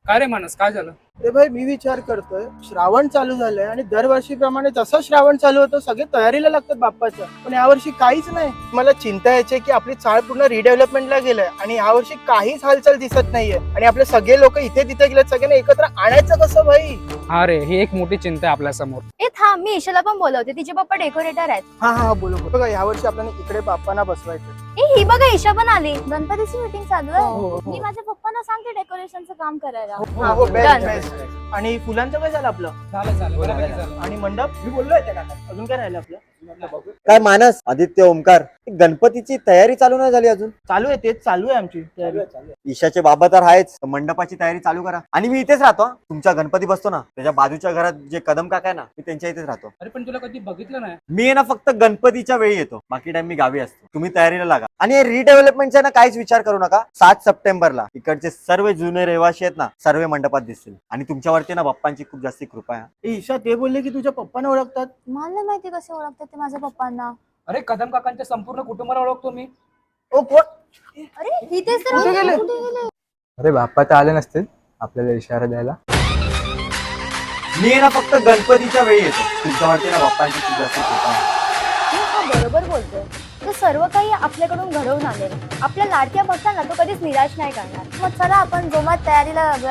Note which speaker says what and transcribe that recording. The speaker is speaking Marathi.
Speaker 1: काय रे मानस, काय झालं?
Speaker 2: ते भाई मी विचार करतोय, श्रावण चालू झालंय आणि दरवर्षीप्रमाणे जसं श्रावण चालू होतं सगळे तयारीला लागतात बाप्पाच्या, पण यावर्षी काहीच नाही. मला चिंता यायची की आपली चाळ पूर्ण रिडेव्हलपमेंटला गेलंय आणि यावर्षी काहीच हालचाल दिसत नाहीये आणि आपले सगळे लोक इथे तिथे गेलेत. सगळ्यांना एकत्र आणायचं कसं भाई?
Speaker 1: हा रे, ही एक मोठी चिंता आहे आपल्या समोर.
Speaker 3: ए थांब, मी ईशाला पण बोलवते, तिचे पप्पा डेकोरेटर आहेत.
Speaker 2: हा बोलो बघा, यावर्षी आपल्याला इकडे बाप्पांना बसवायचं.
Speaker 3: ए ही बघा, ईशा पण आली. गणपतीची मीटिंग चालू
Speaker 2: हो,
Speaker 3: आहे.
Speaker 2: हो.
Speaker 3: मी माझ्या पप्पांना सांगते डेकोरेशनचं काम करायला.
Speaker 2: हो,
Speaker 3: Done.
Speaker 2: बेस्ट. आणि फुलांचं काय झालं आपलं?
Speaker 1: झालं बऱ्यापैकी झालं.
Speaker 2: आणि मंडप मी बोललोय त्या काका, अजून काय राहिलं आपलं?
Speaker 4: काय मानस, आदित्य, ओमकार, गणपतीची तयारी चालू नाही झाली अजून?
Speaker 2: चालू आहे, तेच चालू आहे आमची तयारी.
Speaker 4: ईशाचे बाबा तर आहेच, मंडपाची तयारी चालू करा. आणि मी इथेच राहतो हा. तुमचा गणपती बसतो ना त्याच्या बाजूच्या घरात जे कदम काका आहे ना, मी त्यांच्या इथेच राहतो.
Speaker 1: अरे पण तुला कधी बघितलं नाही.
Speaker 4: मी आहे ना फक्त गणपतीच्या वेळी येतो, बाकी टाइम मी गावी असतो. तुम्ही तयारीला लागा. आणि रिडेव्हलपमेंटचा ना काहीच विचार करू नका. 7 सप्टेंबरला इकडचे सर्व जुने रहिवासी आहेत ना, सर्व मंडपात दिसतील. आणि तुमच्यावरती ना बाप्पांची खूप जास्ती कृपा आहे.
Speaker 2: ए, ईशा ते बोलले की तुझ्या पप्पांना ओळखतात.
Speaker 3: मला नाही माहिती कसे ओळखतात ते माझ्या पप्पांना.
Speaker 1: अरे कदम काकांच्या संपूर्ण कुटुंबाला ओळखतो मी.
Speaker 2: ओ कोण?
Speaker 3: अरे ही तेच तर.
Speaker 2: कुठे गेले?
Speaker 3: कुठे गेले?
Speaker 5: अरे बाप्पा तर आले नसतील आपल्याला इशारा द्यायला.
Speaker 4: मी आहे ना फक्त गणपतीच्या वेळी येतो. तुमच्यावरती ना बाप्पांची खूप जास्ती कृपा आहे.
Speaker 3: हा बरोबर बोलतोय. तो सर्व काही आपल्याकडून घडवून आणेल. आपल्या लाडक्या भक्तांना तो कधीच निराश नाही करणार. मग चला आपण जोमात तयारीला लागूया.